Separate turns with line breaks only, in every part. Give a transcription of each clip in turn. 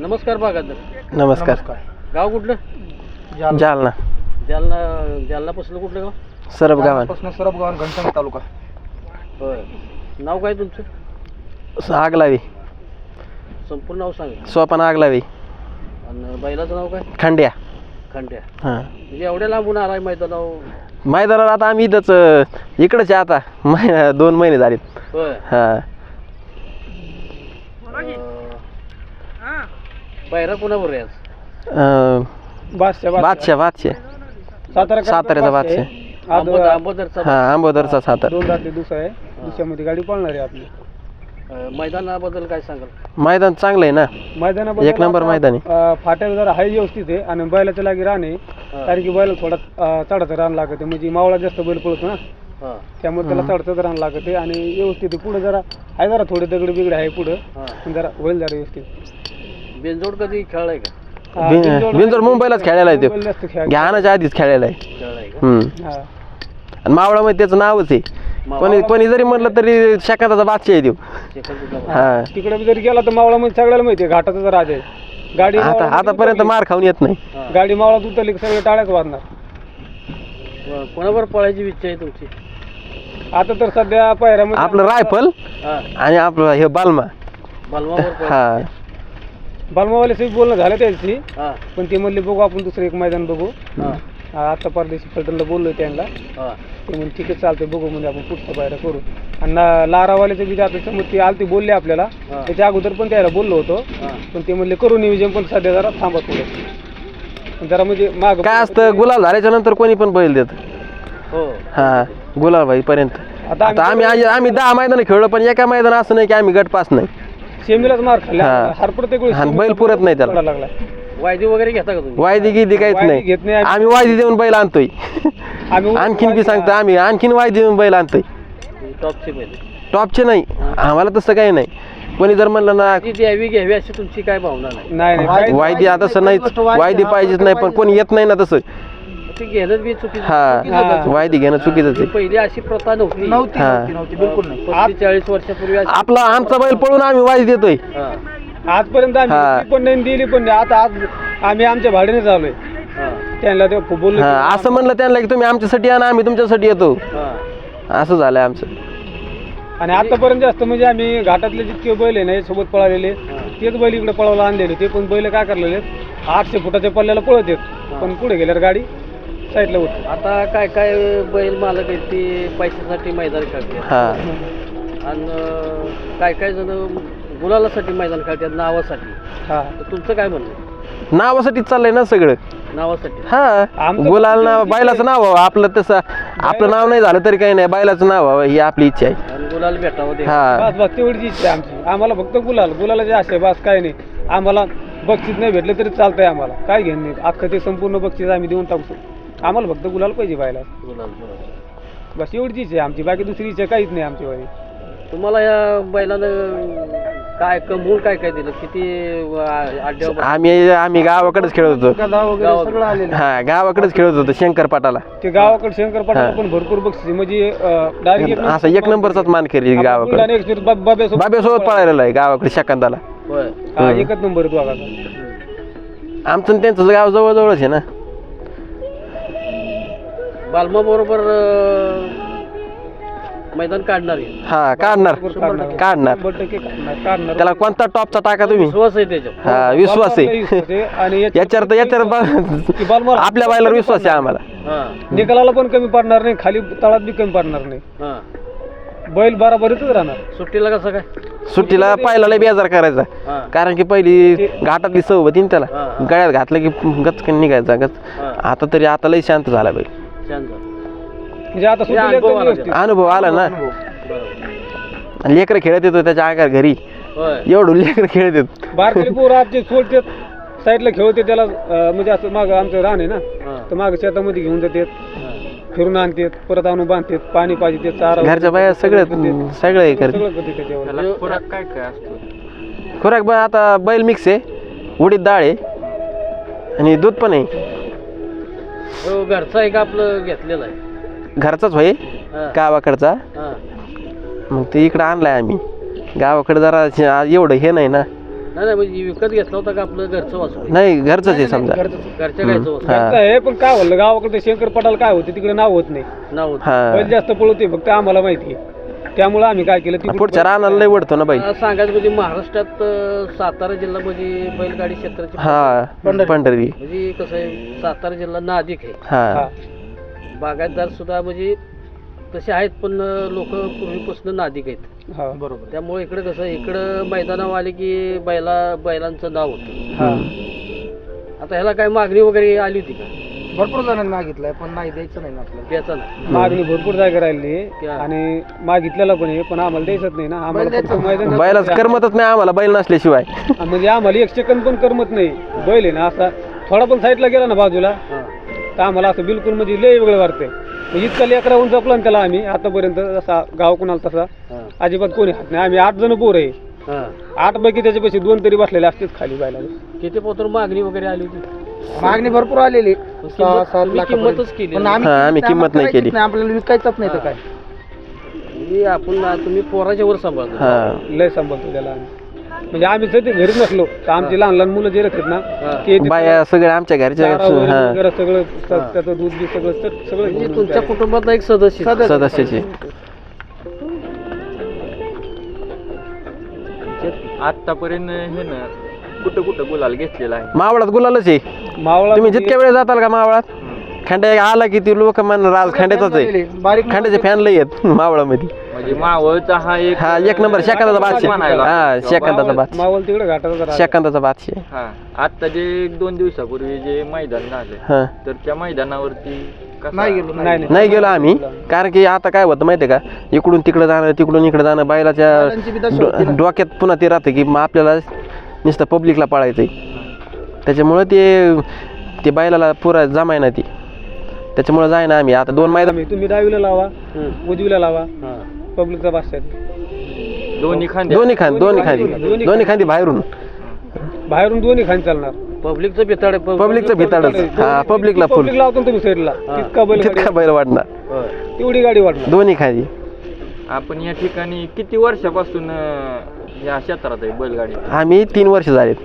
नमस्कार बागायतदार.
नमस्कार.
गाव कुठलं?
जालना.
जालनापासून कुठलं गाव?
सरब गावान.
सरब गावान घनसांग तालुका.
होय. नाव काय तुमचं?
आगलावी.
संपूर्ण नाव सांगा.
सोपान आगलावी.
आणि बैलाचं नाव काय?
खंड्या.
खंड्या.
हां.
म्हणजे एवढ्या लांबून आलाय मैदानावर?
मैदानाला आता आम्ही इथंच इकडंच आहे आता 2 महिने झालेत.
होय.
हां.
बैरा कोणावर आहे आज?
बादशाह साताऱ्याचा बादशाह.
आंबोदरचा.
हां, आंबोदरचा सातारा.
2 रात्री दुसरा आहे. दुसऱ्यामध्ये गाडी पळणार आहे आपली.
मैदानाबद्दल काय सांगाल?
मैदान चांगलं आहे ना.
मैदानाबद्दल
1 नंबर मैदान आहे.
फाट्याला जरा हाय व्यवस्थित आहे आणि बैलाच्या लागी रान आहे. कारण की बैला थोडा चढाचं रान लागत आहे, म्हणजे मावळा जास्त बैल पळतो ना, त्यामुळे त्याला चढचं रान लागत आहे आणि व्यवस्थित आहे. पुढे जरा आहे, जरा थोडे दगड बिगड आहे पुढं, पण जरा होईल जरा व्यवस्थित.
बिनजोड कधी खेळलाय का?
बिनजोड मुंबईलाच खेळायला आहे तो. घ्यानाच्या आधीच खेळायला आहे.
खेळलाय का?
आणि मावळामध्ये त्याचं नावच आहे. कोणी जरी म्हटलं तरी शकाताचा बादशाह आहे तो. हा.
तिकडे जरी गेला तर मावळामध्ये सगळ्याला माहिती आहे घाटाचा राज आहे. गाडी
आतापर्यंत मार खाऊन येत नाही.
गाडी मावळात उतरली सगळे टाळ्याच वाजणार.
कोणावर पळायची इच्छा आहे तुमची?
आता तर सध्या पायऱ्यामध्ये
आपलं रायफल आणि आपलं हे बालमा. हा.
बालमावाले सगळी बोलणं झालं त्याची, पण ते म्हणले बघू आपण दुसरं एक मैदान बघू. आता परदेशी फलटणला बोललो त्यांना, ते म्हणजे ठीक आहे चालतंय बघू, म्हणजे आपण पुढचा पायऱ्या करू. आणि लारावाल्याचं बी आता समज ते आलती बोलले आपल्याला, त्याच्या अगोदर पण त्याला बोललो होतो, पण ते म्हणले करू नियोजन, पण सध्या जरा थांबा पुढे जरा, म्हणजे माग
काय असतं गुलाल झाल्याच्या नंतर कोणी पण बैल देत. हा, गुलाल पर्यंत. आता आम्ही 10 मैदान खेळलो, पण एका मैदान असं नाही की आम्ही गट पास नाही.
सेमीलाच मार खाल्ला हर प्रत्येक वेळेस
बैल पुरत नाही त्याला.
लागला.
वायदी वगैरे घेता का तुम्ही?
वायदी गिदी काहीच नाही. आम्ही वायदी देऊन बैल आणतोय. आणखीन बी सांगतो, आम्ही आणखीन वायदी देऊन बैल आणतोय.
टॉपचे बैल?
टॉपचे नाही, आम्हाला तसं काही नाही. कोणी जर म्हणलं ना
द्यावी घ्यावी अशी तुमची काय भावना नाही?
नाही,
वायदी तसं नाहीच, वायदी पाहिजेच नाही, पण कोणी येत नाही ना तसं.
ते घेणं बी चुकीचं.
हा, वायदी घेणं चुकीचंच आहे.
पहिली अशी प्रथा नव्हती.
बिलकुल नाही.
40 वर्षापूर्वी
आमचा बैल पळून आम्ही वायदी देतोय
आजपर्यंत. आम्ही पण नाही दिली, पण आता आज आम्ही आमच्या भाड्याने चाललोय. त्यांना ते बोललो
असं म्हणलं त्यांना की तुम्ही आमच्यासाठी या ना, आम्ही तुमच्यासाठी येतो. असं झालंय आमचं.
आणि आतापर्यंत जास्त म्हणजे आम्ही घाटातले जितके बैल आहे ना सोबत पळालेले, तेच बैल इकडे पळायला आणलेले. ते पण बैल काय करलेले 800 फुटाच्या पल्ल्याला पळत येत, पण पुढे गेल्यावर गाडी साईडला होत.
आता काय काय बैल मालक आहेत ते पैशासाठी मैदान खेळतात, आणि काय काय जण गुलालासाठी मैदान खेळतात, नावासाठी. तुमचं काय म्हणणं?
नावासाठीच चाललंय ना सगळं.
नावासाठी?
हा, गुलाल नाव, बैलाचं नाव व्हावं आपलं. तसं आपलं नाव नाही झालं तरी काही नाही, बैलाचं नाव व्हावं ही आपली इच्छा आहे.
आणि गुलाल भेटावं.
हा,
बस तेवढीच इच्छा आहे आमची. आम्हाला फक्त गुलालाची आशा आहे, बस काय नाही. आम्हाला बक्षीस नाही भेटलं तरी चालतंय, आम्हाला काय घेणं नाही. अख्खं ते संपूर्ण बक्षीस आम्ही देऊन टाकतो. आम्हाला फक्त गुलाल पाहिजे बायला, बस एवढीच इच्छा आहे आमची. बाकी दुसरी इच्छा काहीच नाही आमची वाली.
तुम्हाला या बैलानं काय कमवून काय काय दिलं? किती
आम्ही गावाकडेच खेळत होतो. हा, गावाकडेच खेळत होतो शंकरपाटाला.
ते गावाकडे शंकरपाटाला पण भरपूर बक्षीस, म्हणजे डायरेक्ट
असं 1 नंबरचाच मान केली गावाकडे. बाब्यासोबत पळालेला आहे गावाकडे शकांताला.
1 नंबर दोघाचा.
आमचं त्यांचं गाव जवळजवळच आहे ना.
बालमा बरोबर मैदान काढणार आहे.
हा, काढणार. त्याला कोणता टॉपचा टाका तुम्ही?
विश्वास आहे त्याच्यावर.
हा, विश्वास आहे.
आणि
याच्यावर आपल्या बायला विश्वास आहे आम्हाला.
निकालाला पण कमी पडणार नाही, खाली तळात बी कमी पडणार नाही. बैल बराबरीतच राहणार.
सुट्टीला कसं काय?
सुट्टीला पायला बेजार करायचा, कारण की पहिली घाटातली सवय ना त्याला. गळ्यात घातलं की गचकन निघायचा गच. आता लय शांत झाला बैल.
म्हणजे आता
अनुभव आला ना. लेकर खेळत येतो त्याच्या आकार घरी, एवढं लेकर खेळत येत.
बारकाली पोरं आमचे सोडतात साईडला खेळते त्याला, म्हणजे असं माग आमचं रान आहे ना, तर माग शेतामध्ये घेऊन जातात, फिरून आणतात, परत आणून बांधतात, पाणी पाहिजे ते चारा.
घरच्या बाया सगळं हे करते. खुराक आता बैल मिक्स आहे, उडीद डाळ आहे आणि दूध पण आहे.
घरचा एक आपलं घेतलेला आहे.
घरचाच होय, गावाकडचा. मग ते इकडं आणलाय आम्ही. गावाकडे जरा एवढं हे नाही ना,
नाही म्हणजे विकत घेतला होता का आपलं घरचं वासरू
नाही घरचंच आहे समजा.
घरच्या गायचं वासरू
हा.
आहे पण काय म्हणलं गावाकडे शंकर पटाला काय होते तिकडे नाव होत नाही.
नाव होतं.
हा
बैल जास्त पळवते फक्त आम्हाला माहिती आहे. त्यामुळे आम्ही काय केलं तिकडे
पुढच्या रानाला लय वडतो ना बाई.
सांगायचं म्हणजे महाराष्ट्रात सातारा जिल्हा म्हणजे बैलगाडी क्षेत्राची
हा पंढरी
म्हणजे कसं आहे सातारा जिल्हा नादिक आहे.
हा
बागायतदार सुद्धा म्हणजे तसे आहेत पण लोक पूर्वीपासून नादिक आहेत.
हा
बरोबर. त्यामुळे इकडे कसं इकडं मैदानावर आले की बैलांचं नाव होतं.
हा
आता ह्याला काय मागणी वगैरे आली होती का?
भरपूर जणांनी मागितलंय पण नाही द्यायचं नाही आपल्याला.
द्यायचा ना
मागणी भरपूर जागा राहिली आणि मागितलेला पण आहे पण आम्हाला द्यायचंच नाही ना. आम्हाला फक्त मैदान
बैलाच करमतच नाही आम्हाला बैल नसल्याशिवाय.
म्हणजे आम्हाला एक सेकंद पण करमत नाही. बैल आहे ना असा थोडा पण साईडला गेला ना बाजूला तर आम्हाला असं बिलकुल म्हणजे लय वेगळं वाटतंय. इतका लेकराहून जपला ना त्याला आम्ही आतापर्यंत जसा गाव कुणाला तसा अजिबात कोणी हात नाही. आम्ही 8 जण पोर आहे. 8 पैकी त्याच्यापेक्षा 2 तरी बसलेले असतेच खाली बैलाला.
किती पोतर मागणी वगैरे आली होती?
मागणी भरपूर आलेली
किंमतच केली
पण
आम्ही किंमत नाही केली.
आपल्याला विकायचंच नाही तर काय.
म्हणजे आपण तुम्ही पोराच्या वर सांभाळतो.
हा
लय सांभाळतो त्याला आम्ही. म्हणजे आम्ही सध्या घरी नसलो तर आमची लहान लहान मुलं जे राहतात ना ते
बाया सगळे आमच्या घरच्या
वगैरे सगळं त्याचं दूध बी सगळं सगळं
म्हणजे तुमच्या कुटुंबातला एक सदस्य
सदस्याचे.
आतापर्यंत हे ना कुठं कुठं गुलाल घेतलेला आहे.
मावळात गुलालच आहे.
मावळा
तुम्ही जितक्या वेळ जाताल का मावळात खंड्या आला की ती लोक म्हणणार खंड्याचाच आहे. खंड्याचे फॅन लय आहेत मावळामध्ये.
म्हणजे मावळचा हा
एक नंबर शेकांताचा बादशाह. हा शेकांताचा बादशाह.
मावळ तिकडे घाटाचा
शेकांताचा बादशाह.
हा आता जे 2 दिवसापूर्वी जे मैदान झालं
हा
तर त्या मैदानावरती कसा-
नाही गेलो आम्ही कारण की आता काय होतं माहितीये का इकडून तिकडे जाणं तिकडून इकडे जाणं बैलाच्या डोक्यात पुन्हा ते राहतं की मग आपल्याला नुसतं पब्लिकला पळायचंय. त्याच्यामुळं ते बैलाला पुरा जमाय ना ती. त्याच्यामुळे जाय ना आम्ही आता 2 मैदान.
तुम्ही डावीला लावा उजवीला लावा पब्लिकचा बादशाह.
दोन्ही खांदे
दोन्ही खांदी बाहेरून
दोन्ही खांदे चालणार.
पब्लिकचं बिताड आहे.
पब्लिकचं भिताडच. हा पब्लिकला फुल
पब्लिक लावतो तुम्ही साईडला
तितका बैल वाढणार.
तेवढी गाडी वाढणार.
दोन्ही खांदी.
आपण या ठिकाणी किती वर्षापासून या क्षेत्रात आहे बैलगाडी?
आम्ही 3 वर्ष झालेत.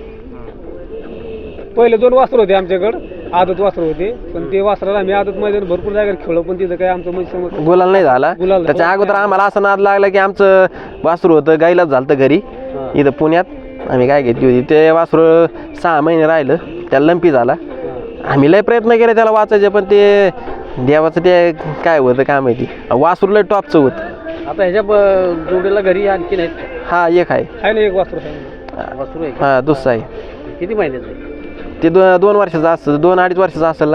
पहिले 2 वासर होते आमच्याकडे आदत वासर होते पण ते वासराला आम्ही आदत मैदान भरपूर जागेवर खेळलो पण तिथं काय आमचं म्हणजे समज
गुलाल नाही झाला.
गुलाल
त्याच्या अगोदर आम्हाला असं नाद लागला की आमचं वासरू होतं गाईलाच झालं घरी इथं पुण्यात. आम्ही काय घेतली होती ते वासरू 6 महिने राहिलं त्याला लंपी झाला. आम्ही लय प्रयत्न केले त्याला वाचायचे पण ते देवाचं ते काय होतं काय माहिती. वासरू लय टॉपचं होतं.
आता ह्याच्या जोडीला घरी आणखी नाहीत.
हा एक आहे.
आहे ना एक वासर आहे.
वासरू आहे.
हा दुसरा आहे.
किती महिन्याचं आहे?
ते 2 वर्षाचं असतं 2-2.5 वर्षाचं असेल ना.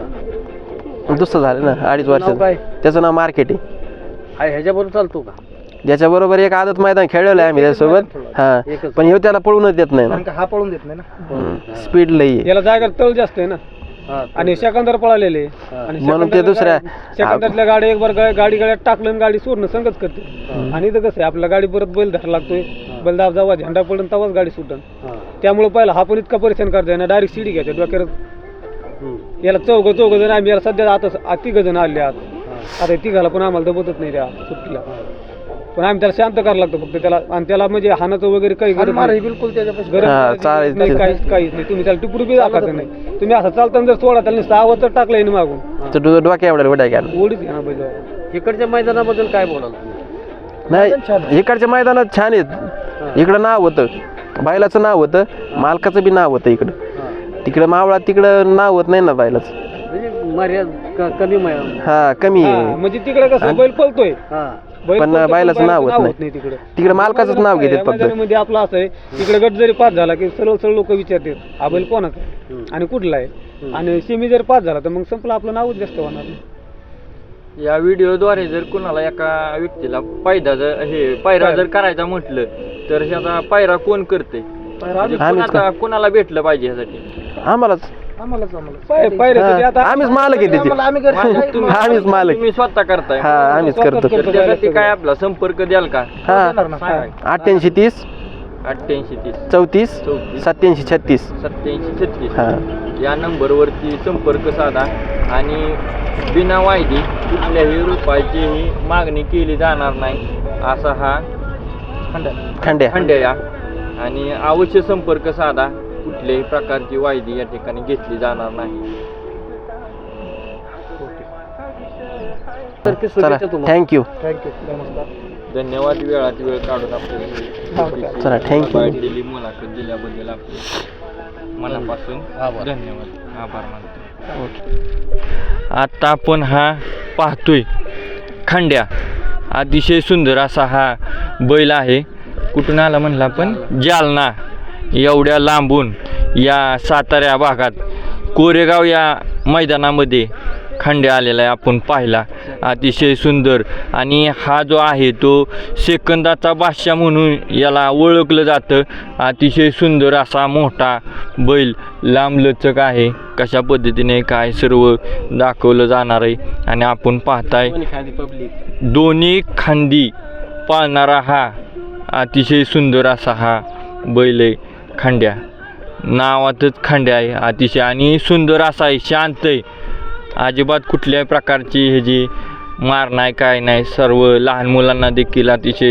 दुसरं झालं ना 2.5 वर्षाचं.
काय?
त्याचं नाव मार्केट आहे.
ह्याच्याबरोबर चालतो का?
ज्याच्याबरोबर एक आदत मैदान खेळलेलं आहे आम्ही त्याच्यासोबत. हा पण हे त्याला पळूनच देत नाही ना.
हा पळून देत नाही ना.
स्पीड लई आहे.
याला जागा तळ जास्त आहे ना आणि सेकंदर पळालेले आणि
म्हणून ते दुसऱ्या
सेकंदातल्या गाडी एक बार गाडी गळ्यात टाकलं आणि गाडी सोडणं संगत करते. आणि इथं कसं आहे आपल्या गाडी परत बैल धरायला लागतोय. बैल दाब जावा झेंडा पडून तेव्हाच गाडी सुटन. त्यामुळे पहिला हा पण इतका परेशान करता ना डायरेक्ट शिडी घ्यायच्या डोक्यात. याला चौघ जण आम्ही याला सध्या आता 3 जण आले आहात. आता 3घाला पण आम्हाला दबतच नाही त्या सुट्टीला. पण आम्ही त्याला शांत करायला लागतो फक्त त्याला. आणि त्याला म्हणजे हानाचं वगैरे काही गरज बिलकुल
चालेल.
नाही काहीच नाही. तुम्ही त्याला टिपरू बी दाखवायचं नाही. तुम्ही असं चालताना जर सोडा त्याला नुसतं आवाज तर टाकलाय ना मागून
डोक्या एवढ्या वड्या घ्या.
ओढीच घ्या बैल.
इकडच्या मैदानाबद्दल काय बोलाल?
नाही इकडच्या मैदानात छान आहेत. इकडं नाव होतं बैलाचं नाव होतं मालकाचं बी नाव होतं इकडं. तिकडं मावळात तिकडं नाव होत नाही ना बैलाचं.
म्हणजे मर्यादा कमी
हा कमी आहे.
म्हणजे तिकडे कसं बैल पळतोय
पण बैलाचं नाव होत नाही. तिकडे मालकाचंच नाव घेतात फक्त.
मध्ये आपलं असं आहे तिकडे गट जरी पास झाला की सरळ लोक विचारतात हा बैल कोणाचा आहे आणि कुठला आहे. आणि सेमी जर पास झाला तर मग संपलं आपलं नावच जास्त होणार.
या व्हिडिओद्वारे जर कुणाला एका व्यक्तीला पायरा जर करायचा म्हटलं तर ह्याचा पायरा कोण करते? कोणाला भेटलं पाहिजे ह्यासाठी?
आम्हालाच. आम्हीच मालक आहे त्याची. आम्हीच मालक.
तुम्ही स्वतः करताय?
हा आम्हीच करतो.
तर त्यासाठी काय आपला संपर्क द्याल का?
हा 88 30 34 87 36
8736 या नंबरवरती संपर्क साधा आणि बिना वायदी कुठल्याही रुपयाचीही मागणी केली जाणार नाही असा हा खंड्या आणि अवश्य संपर्क साधा. कुठल्याही प्रकारची वायदी या ठिकाणी घेतली जाणार नाही.
चला थँक्यू.
थँक्यू. नमस्कार.
धन्यवाद. वेळात वेळ काढून आपल्याला
चला थँक्यू.
दिली मुलाखत दिल्याबद्दल आपले मनापासून धन्यवाद, आभार मानतो. आता आपण हा पाहतोय खंड्या. अतिशय सुंदर असा हा बैल आहे. कुठून आला म्हणला आपण? जालना. एवढ्या लांबून या सातारा भागात कोरेगाव या मैदानामध्ये खंड्या आलेला आहे आपण पाहिला. अतिशय सुंदर. आणि हा जो आहे तो सेकंदाचा बादशाह म्हणून याला ओळखलं जातं. अतिशय सुंदर असा मोठा बैल, लांबलचक आहे. कशा पद्धतीने काय सर्व दाखवलं जाणार आहे. आणि आपण पाहताय दोन्ही खांदी पाळणारा हा अतिशय सुंदर असा हा बैल आहे खंड्या. नावातच खंड्या आहे. अतिशय आणि सुंदर असा आहे, शांत आहे. अजिबात कुठल्याही प्रकारची हे जी मार नाही काय नाही. सर्व लहान मुलांना देखील अतिशय,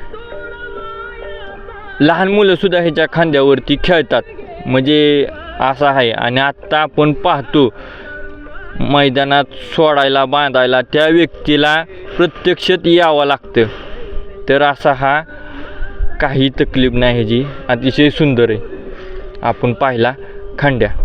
लहान मुलंसुद्धा ह्याच्या खांद्यावरती खेळतात म्हणजे असं आहे. आणि आत्ता आपण पाहतो मैदानात सोडायला बांधायला त्या व्यक्तीला प्रत्यक्षात यावं लागतं. तर असा हा काही तकलीफ नाही ह्याची. अतिशय सुंदर आहे. आपण पाहिला खंड्या.